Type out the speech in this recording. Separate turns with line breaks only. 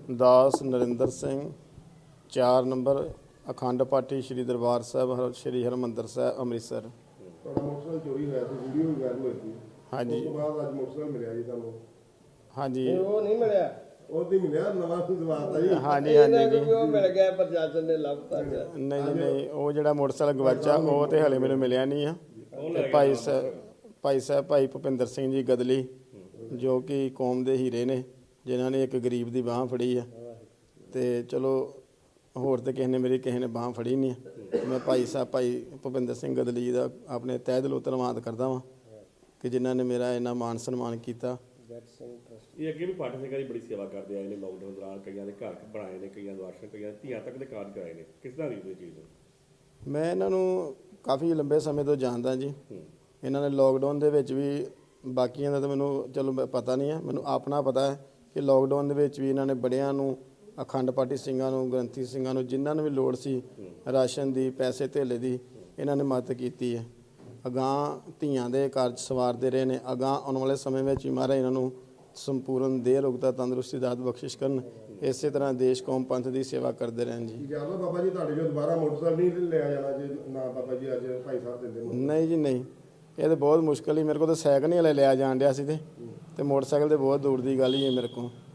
ਦਾਸ Narendra Singh 4 number ਅਖੰਡ ਪਾਠੀ ਸ਼੍ਰੀ ਦਰਬਾਰ ਸਾਹਿਬ ਸ਼੍ਰੀ ਹਰਿਮੰਦਰ ਸਾਹਿਬ ਅੰਮ੍ਰਿਤਸਰ।
ਤੁਹਾਡਾ motorcycle ਚੋਰੀ ਹੋਇਆ ਸੀ, ਵੀਡੀਓ ਵੀ ਵਾਇਰਲ ਹੋਈ ਸੀ।
ਹਾਂਜੀ।
ਉਸ ਤੋਂ ਬਾਅਦ ਅੱਜ ਮੋਟਰਸਾਈਕਲ ਮਿਲਿਆ ਜੀ ਤੁਹਾਨੂੰ?
ਹਾਂਜੀ
ਉਹ ਨਹੀਂ ਮਿਲਿਆ,
ਉਹ ਨਹੀਂ ਮਿਲਿਆ, ਨਵਾਂ ਦਵਾਤਾ ਜੀ।
ਹਾਂਜੀ ਹਾਂਜੀ ਜੀ।
ਉਹ ਮਿਲ ਗਿਆ, ਪ੍ਰਸ਼ਾਸਨ ਨੇ ਲੱਭਤਾ।
ਨਹੀਂ ਜੀ ਨਹੀਂ, ਉਹ ਜਿਹੜਾ ਮੋਟਰਸਾਈਕਲ ਗਵਾਚਾ ਉਹ ਤੇ ਹਲੇ ਮੈਨੂੰ ਮਿਲਿਆ ਨਹੀਂ ਆ। ਤੇ ਭਾਈ ਭੁਪਿੰਦਰ ਸਿੰਘ ਜੀ ਗਦਲੀ, ਜੋ ਕਿ ਕੌਮ ਦੇ ਹੀਰੇ ਨੇ, ਜਿਨ੍ਹਾਂ ਨੇ ਇੱਕ ਗਰੀਬ ਦੀ ਬਾਂਹ ਫੜੀ ਆ। ਤੇ ਚਲੋ ਹੋਰ ਤੇ ਕਿਸੇ ਨੇ ਬਾਂਹ ਫੜੀ ਨਹੀਂ ਆ। ਮੈਂ ਭਾਈ ਭੁਪਿੰਦਰ ਸਿੰਘ ਗਦਲੀ ਜੀ ਦਾ ਆਪਣੇ ਤਹਿ ਦਿਲੋਂ ਧੰਨਵਾਦ ਕਰਦਾ ਵਾਂ ਕਿ ਜਿਨ੍ਹਾਂ ਨੇ ਮੇਰਾ ਇੰਨਾ ਮਾਣ ਸਨਮਾਨ ਕੀਤਾ।
ਇਹ ਅੱਗੇ ਵੀ ਪਾਠੀ ਸਿੰਘਾਂ ਦੀ ਬੜੀ ਸੇਵਾ ਕਰਦੇ ਆਏ ਨੇ। ਲਾਕਡਾਊਨ ਦੌਰਾਨ ਕਈਆਂ ਦੇ ਘਰ ਬਣਾਏ ਨੇ, ਕਈਆਂ ਨੂੰ ਰਾਸ਼ਨ, ਕਈਆਂ ਦੇ ਧੀਆਂ ਤੱਕ ਦੇ ਕਾਰਜ ਕਰਾਏ ਨੇ। ਕਿਸ ਤਰ੍ਹਾਂ ਦੀ ਚੀਜ਼ ਹੈ?
ਮੈਂ ਇਹਨਾਂ ਨੂੰ ਕਾਫੀ ਲੰਬੇ ਸਮੇਂ ਤੋਂ ਜਾਣਦਾ ਜੀ। ਇਹਨਾਂ ਨੇ ਲਾਕਡਾਊਨ ਦੇ ਵਿੱਚ ਵੀ, ਬਾਕੀਆਂ ਦਾ ਤਾਂ ਮੈਨੂੰ ਚਲੋ ਪਤਾ ਨਹੀਂ ਹੈ, ਮੈਨੂੰ ਆਪਣਾ ਪਤਾ ਹੈ ਕਿ ਲਾਕਡਾਊਨ ਦੇ ਵਿੱਚ ਵੀ ਇਹਨਾਂ ਨੇ ਬੜਿਆਂ ਨੂੰ, ਅਖੰਡ ਪਾਠੀ ਸਿੰਘਾਂ ਨੂੰ, ਗ੍ਰੰਥੀ ਸਿੰਘਾਂ ਨੂੰ, ਜਿਨ੍ਹਾਂ ਨੂੰ ਵੀ ਲੋੜ ਸੀ ਰਾਸ਼ਨ ਦੀ, ਪੈਸੇ ਧੇਲੇ ਦੀ, ਇਹਨਾਂ ਨੇ ਮਦਦ ਕੀਤੀ ਹੈ। ਅਗਾਂਹ ਧੀਆਂ ਦੇ ਕਾਰਜ ਸਵਾਰਦੇ ਰਹੇ ਨੇ। ਅਗਾਂਹ ਆਉਣ ਵਾਲੇ ਸਮੇਂ ਵਿੱਚ ਵੀ ਮਹਾਰਾਜ ਇਹਨਾਂ ਨੂੰ ਸੰਪੂਰਨ ਦੇਹ ਰੋਗਤਾ ਤੰਦਰੁਸਤੀ ਦਾਤ ਬਖਸ਼ਿਸ਼ ਕਰਨ। ਇਸੇ ਤਰ੍ਹਾਂ ਦੇਸ਼ ਕੌਮ ਪੰਥ ਦੀ ਸੇਵਾ ਕਰਦੇ ਰਹਿਣ ਜੀ।
ਜਿਆਦਾ ਬਾਬਾ ਜੀ ਤੁਹਾਡੇ ਜੋ ਦੁਬਾਰਾ ਮੋਟਰਸਾਈਕਲ ਨਹੀਂ ਲਿਆ ਜਾਣਾ ਜੇ ਨਾ ਬਾਬਾ ਜੀ ਅੱਜ ਭਾਈ ਸਾਹਿਬ ਦਿੰਦੇ?
ਨਹੀਂ ਜੀ ਨਹੀਂ, ਇਹ ਤਾਂ ਬਹੁਤ ਮੁਸ਼ਕਿਲ ਹੀ। ਮੇਰੇ ਕੋਲ ਤਾਂ ਸਾਈਕਲ ਨਹੀਂ ਹਲੇ ਲਿਆ ਜਾਣ ਡਿਆ ਸੀ ਤੇ ਮੋਟਰਸਾਈਕਲ ਤੇ ਬਹੁਤ ਦੂਰ ਦੀ ਗੱਲ ਹੀ ਹੈ ਮੇਰੇ ਕੋਲ।